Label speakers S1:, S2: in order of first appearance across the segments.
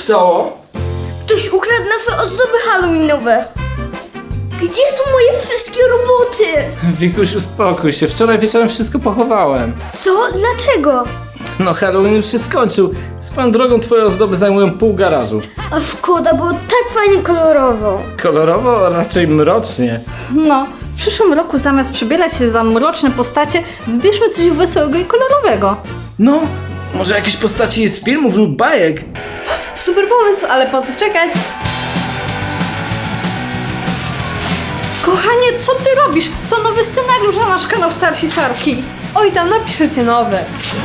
S1: stało?
S2: Ktoś ukradł nasze ozdoby halloweenowe. Gdzie są moje wszystkie roboty?
S1: Wikuś, uspokój się. Wczoraj wieczorem wszystko pochowałem.
S2: Co? Dlaczego?
S1: No Halloween już się skończył. Swoją drogą twoje ozdoby zajmują pół garażu.
S2: A szkoda, było tak fajnie kolorowo.
S1: Kolorowo, a raczej mrocznie.
S3: No, w przyszłym roku zamiast przebierać się za mroczne postacie, wybierzmy coś wesołego i kolorowego.
S1: No, może jakieś postaci z filmów lub bajek?
S4: Super pomysł, ale po co czekać?
S3: Kochanie, co ty robisz? To nowy scenariusz na nasz kanał Starsi Sarki.
S4: Oj, tam napiszecie nowe.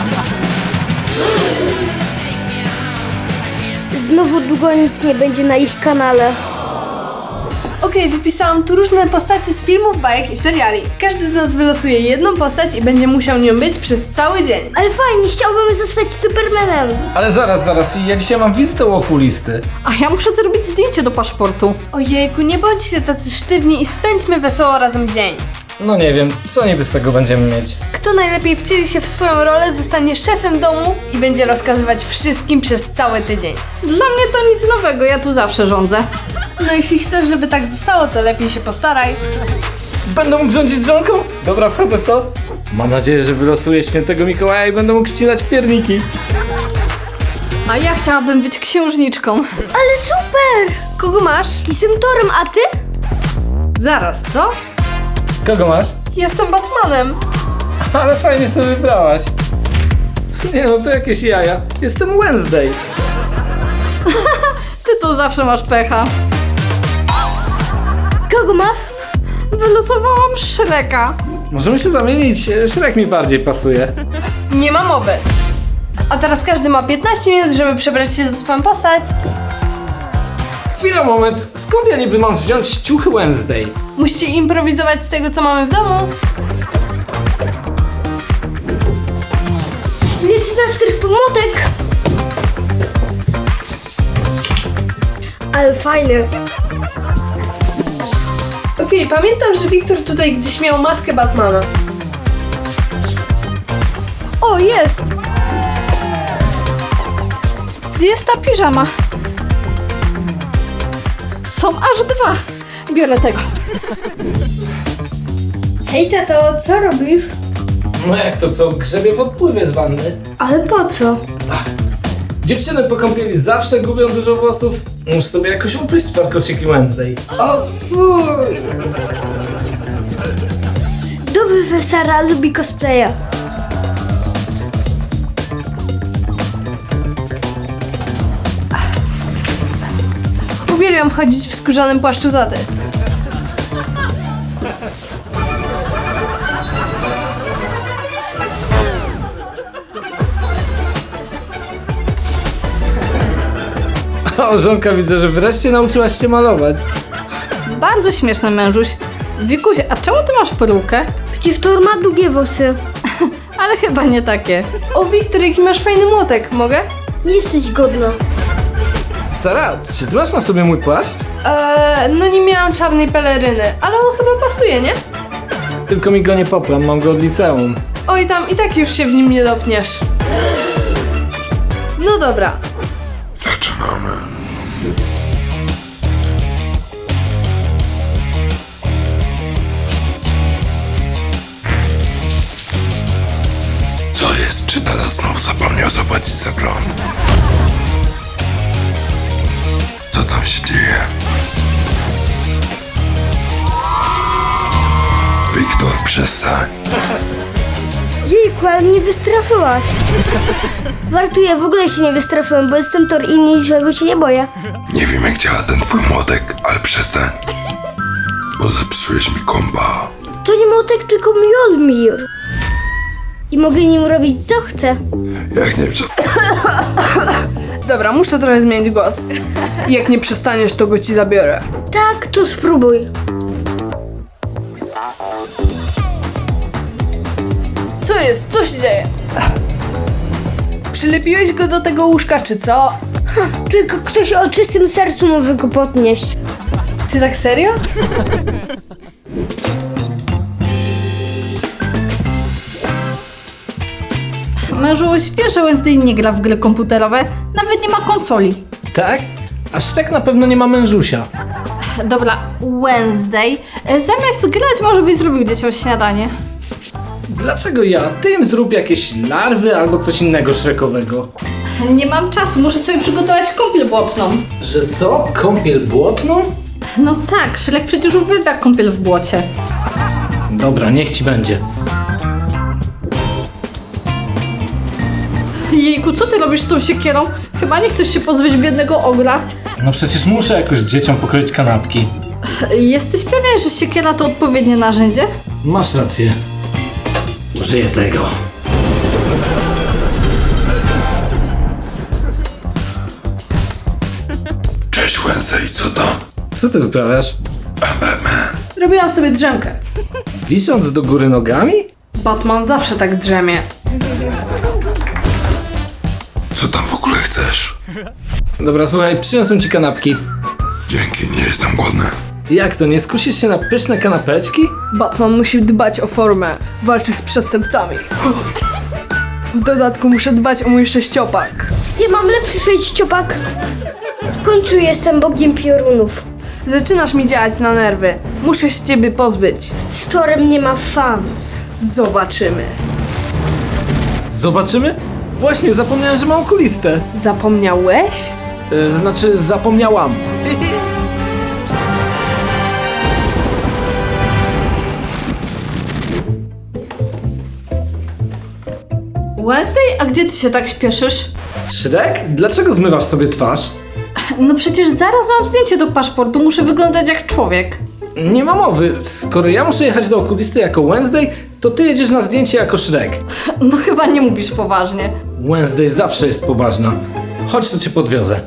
S2: Znowu długo nic nie będzie na ich kanale.
S4: Okej, wypisałam tu różne postacie z filmów, bajek i seriali. Każdy z nas wylosuje jedną postać i będzie musiał nią być przez cały dzień.
S2: Ale fajnie, chciałbym zostać Supermanem.
S1: Ale zaraz, ja dzisiaj mam wizytę u okulisty.
S3: A ja muszę zrobić zdjęcie do paszportu.
S4: Ojejku, nie bądźcie tacy sztywni i spędźmy wesoło razem dzień.
S1: No nie wiem, co niby z tego będziemy mieć?
S4: Kto najlepiej wcieli się w swoją rolę, zostanie szefem domu i będzie rozkazywać wszystkim przez cały tydzień.
S3: Dla mnie to nic nowego, ja tu zawsze rządzę.
S4: No jeśli chcesz, żeby tak zostało, to lepiej się postaraj.
S1: Będę mógł rządzić żonką? Dobra, wchodzę w to. Mam nadzieję, że wylosuję świętego Mikołaja i będę mógł ścinać pierniki.
S3: A ja chciałabym być księżniczką.
S2: Ale super!
S4: Kogo masz?
S2: Jestem Torem, a ty?
S4: Zaraz, co?
S1: Kogo masz?
S4: Jestem Batmanem.
S1: Ale fajnie sobie wybrałaś. Nie no, to jakieś jaja. Jestem Wednesday.
S3: Ty to zawsze masz pecha.
S2: Kogo masz?
S3: Wylosowałam Shreka.
S1: Możemy się zamienić, Shrek mi bardziej pasuje.
S4: Nie ma mowy. A teraz każdy ma 15 minut, żeby przebrać się za swoją postać.
S1: Chwila, moment. Skąd ja niby mam wziąć ciuchy Wednesday?
S4: Musicie improwizować z tego, co mamy w domu.
S2: Więc na strych pomotek. Ale fajny.
S4: Okej, pamiętam, że Wiktor tutaj gdzieś miał maskę Batmana. O, jest!
S3: Gdzie jest ta piżama? Są aż dwa. Biorę tego.
S2: Hej tato, co robisz?
S1: No jak to co? Grzebię w odpływie z wanny.
S2: Ale po co?
S1: Dziewczyny po kąpieli zawsze gubią dużo włosów. Muszę sobie jakoś upryć warkoczyki Wednesday.
S2: O fuj. Dobrze, że Sara lubi cosplaya.
S4: Uwielbiam chodzić w skórzanym płaszczu taty.
S1: O, żonka, widzę, że wreszcie nauczyłaś się malować.
S3: Bardzo śmieszny mężuś. Wikuś, a czemu ty masz perukę?
S2: Przecież Tor ma długie włosy.
S3: Ale chyba nie takie.
S4: O, Wiktor, jaki masz fajny młotek, mogę?
S2: Nie jesteś godna.
S1: Sara, czy ty masz na sobie mój płaszcz?
S4: No nie miałam czarnej peleryny, ale on chyba pasuje, nie?
S1: Tylko mi go nie poplam, mam go od liceum.
S4: Oj, tam i tak już się w nim nie dopniesz. No dobra.
S5: Zaczynamy. Co jest? Czy tata znów zapomniał zapłacić za prąd? Co tam się dzieje? Wiktor, przestań.
S2: Jejku, ale mnie wystraszyłaś. Żartuję, w ogóle się nie wystraszyłem, bo jestem Tor i niczego się nie boję.
S5: Nie wiem jak działa ten twój młotek, ale przestań. Bo zepsułeś mi kompa.
S2: To nie młotek, tylko Mjolnir. I mogę nim robić co chcę.
S5: Jak nie wiem, co...
S4: Dobra, muszę trochę zmienić głos. Jak nie przestaniesz, to go ci zabiorę.
S2: Tak, to spróbuj.
S4: Co jest? Co się dzieje? Przylepiłeś go do tego łóżka, czy co?
S2: Tylko ktoś o czystym sercu może go podnieść.
S4: Ty tak serio?
S3: Mężuś, wiesz, że Wednesday nie gra w gry komputerowe? Nawet nie ma konsoli.
S1: Tak? A Shrek na pewno nie ma mężusia.
S3: Dobra, Wednesday. Zamiast grać, może byś zrobił dzieciom śniadanie.
S1: Dlaczego ja? Ty im zrób jakieś larwy albo coś innego Shrekowego.
S3: Nie mam czasu, muszę sobie przygotować kąpiel błotną.
S1: Że co? Kąpiel błotną?
S3: No tak, Shrek przecież uwielbia kąpiel w błocie.
S1: Dobra, niech ci będzie.
S3: Jejku, co ty robisz z tą siekierą? Chyba nie chcesz się pozbyć biednego ogra.
S1: No przecież muszę jakoś dzieciom pokroić kanapki.
S3: Jesteś pewien, że siekiera to odpowiednie narzędzie?
S1: Masz rację. Użyję tego.
S5: Cześć Wednesday, co tam?
S1: Co ty wyprawiasz?
S4: Robiłam sobie drzemkę.
S1: Wisząc do góry nogami?
S4: Batman zawsze tak drzemie.
S5: Co tam w ogóle chcesz?
S1: Dobra, słuchaj, przyniosłem ci kanapki.
S5: Dzięki, nie jestem głodny.
S1: Jak to, nie skusisz się na pyszne kanapeczki?
S4: Batman musi dbać o formę. Walczy z przestępcami. W dodatku muszę dbać o mój sześciopak.
S2: Ja mam lepszy sześciopak. W końcu jestem bogiem piorunów.
S4: Zaczynasz mi działać na nerwy. Muszę się ciebie pozbyć.
S2: Z Torem nie ma szans.
S4: Zobaczymy.
S1: Zobaczymy? Właśnie, zapomniałem, że mam okulistę.
S4: Zapomniałeś?
S1: Znaczy, zapomniałam.
S3: Wednesday, a gdzie ty się tak śpieszysz?
S1: Shrek? Dlaczego zmywasz sobie twarz?
S3: No przecież zaraz mam zdjęcie do paszportu, muszę wyglądać jak człowiek.
S1: Nie ma mowy. Skoro ja muszę jechać do okulisty jako Wednesday, to ty jedziesz na zdjęcie jako Shrek.
S3: No chyba nie mówisz poważnie.
S1: Wednesday zawsze jest poważna. Chodź, to cię podwiozę.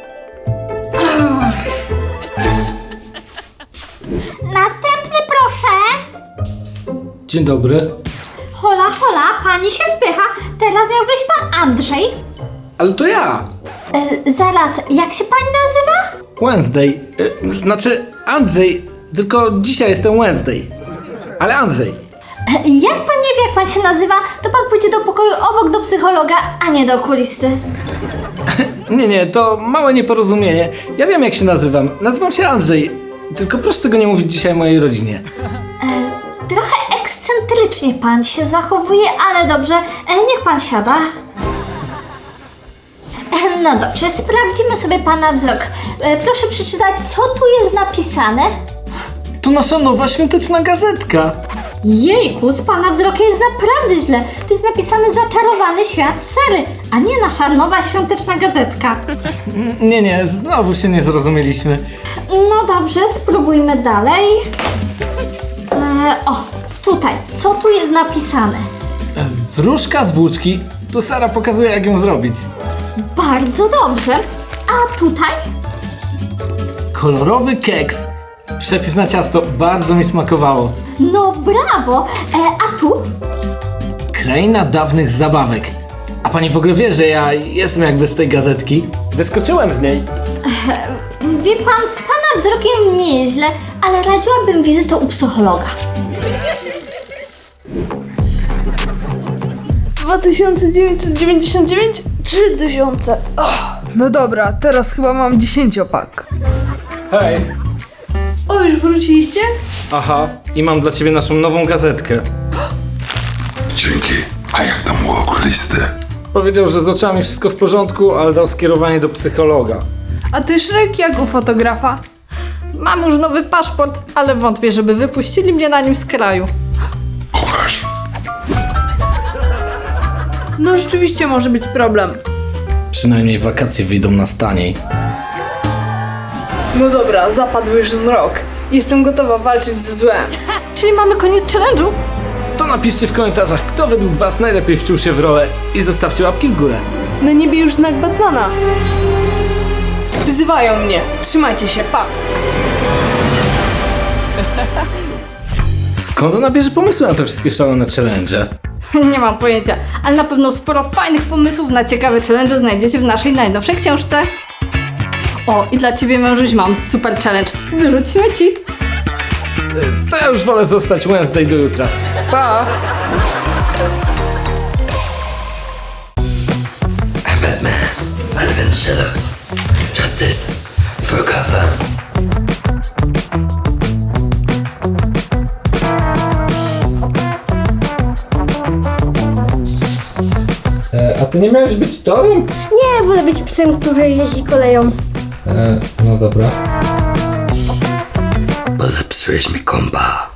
S6: Następny proszę.
S1: Dzień dobry.
S6: Hola, hola, pani się wpycha. Teraz miał wyjść pan Andrzej.
S1: Ale to ja.
S6: Zaraz, jak się pani nazywa?
S1: Wednesday. Znaczy Andrzej, tylko dzisiaj jestem Wednesday. Ale Andrzej.
S6: Jak pan nie wie, jak pan się nazywa, to pan pójdzie do pokoju obok do psychologa, a nie do okulisty.
S1: Nie, to małe nieporozumienie. Ja wiem, jak się nazywam. Nazywam się Andrzej. Tylko proszę tego nie mówić dzisiaj mojej rodzinie.
S6: Trochę ekscentrycznie pan się zachowuje, ale dobrze, niech pan siada. No dobrze, sprawdzimy sobie pana wzrok. Proszę przeczytać, co tu jest napisane.
S1: To nasza nowa świąteczna gazetka.
S6: Jejku, z pana wzrokiem jest naprawdę źle. To jest napisane Zaczarowany świat Sary, a nie nasza nowa świąteczna gazetka.
S1: Nie, znowu się nie zrozumieliśmy.
S6: No dobrze, spróbujmy dalej. O, tutaj, co tu jest napisane?
S1: Wróżka z włóczki. Tu Sara pokazuje, jak ją zrobić.
S6: Bardzo dobrze. A tutaj?
S1: Kolorowy keks. Przepis na ciasto bardzo mi smakowało.
S6: No brawo. A tu?
S1: Kraina dawnych zabawek. A pani w ogóle wie, że ja jestem jakby z tej gazetki? Wyskoczyłem z niej.
S6: Wie pan, z pana wzrokiem nieźle, ale radziłabym wizytę u psychologa.
S4: 2999? 3000. No dobra, teraz chyba mam 10-pak.
S1: Hej.
S4: O, już wróciliście?
S1: Aha, i mam dla ciebie naszą nową gazetkę.
S5: Dzięki. A jak tam u okulisty?
S1: Powiedział, że z oczami wszystko w porządku, ale dał skierowanie do psychologa.
S4: A ty, Shrek, jak u fotografa?
S3: Mam już nowy paszport, ale wątpię, żeby wypuścili mnie na nim z kraju.
S5: Pokaż.
S4: No rzeczywiście może być problem.
S1: Przynajmniej wakacje wyjdą nas taniej.
S4: No dobra, zapadł już ten rok. Jestem gotowa walczyć ze złem.
S3: Czyli mamy koniec challenge'u?
S1: To napiszcie w komentarzach, kto według was najlepiej wczuł się w rolę i zostawcie łapki w górę.
S4: Na niebie już znak Batmana. Wzywają mnie. Trzymajcie się, pa!
S1: Skąd ona bierze pomysły na te wszystkie szalone challenge?
S3: Nie mam pojęcia, ale na pewno sporo fajnych pomysłów na ciekawe challenge znajdziecie w naszej najnowszej książce. O, i dla ciebie, mężuś, mam super challenge. Wyrzuć śmieci.
S1: To ja już wolę zostać Wednesday do jutra. Pa!
S7: I'm Batman. I live in the shadows. Just justice for Gotham.
S1: A ty nie miałeś być torem?
S2: Nie, wolę być psem, który jeździ koleją.
S1: No dobra.
S7: Bo zepsułeś mi kompa.